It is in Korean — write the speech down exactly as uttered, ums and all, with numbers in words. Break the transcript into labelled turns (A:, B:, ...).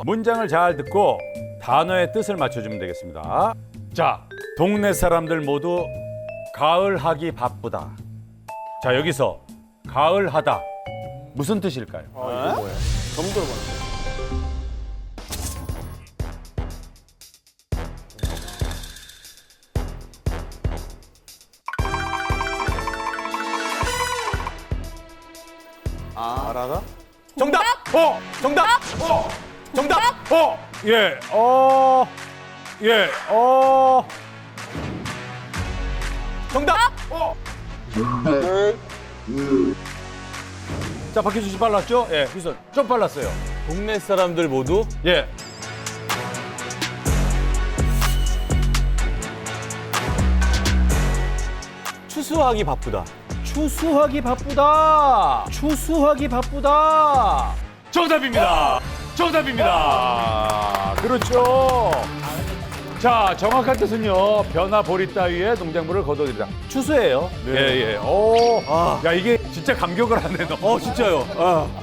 A: 문장을 잘 듣고 단어의 뜻을 맞춰주면 되겠습니다. 자, 동네 사람들 모두 가을하기 바쁘다. 자, 여기서 가을하다 무슨 뜻일까요?
B: 아, 이거 뭐야? 처음 들어봤네. 아, 알아나?
A: 정답! 어! 정답! 어! 정답! 어! 예, 어, 예, 어. 정답! 어! 자, 박희수 씨 빨랐죠? 예, 희수 좀 빨랐어요.
B: 동네 사람들 모두
A: 예.
B: 추수하기 바쁘다.
A: 추수하기 바쁘다. 추수하기 바쁘다. 정답입니다. 정답입니다. 그렇죠. 자, 정확한 뜻은요. 벼나 보리 따위에 농작물을 거둬들이다. 추수예요. 예, 예. 오.
B: 아.
A: 야, 이게 진짜 감격을 하네, 너.
B: 어, 진짜요. 아.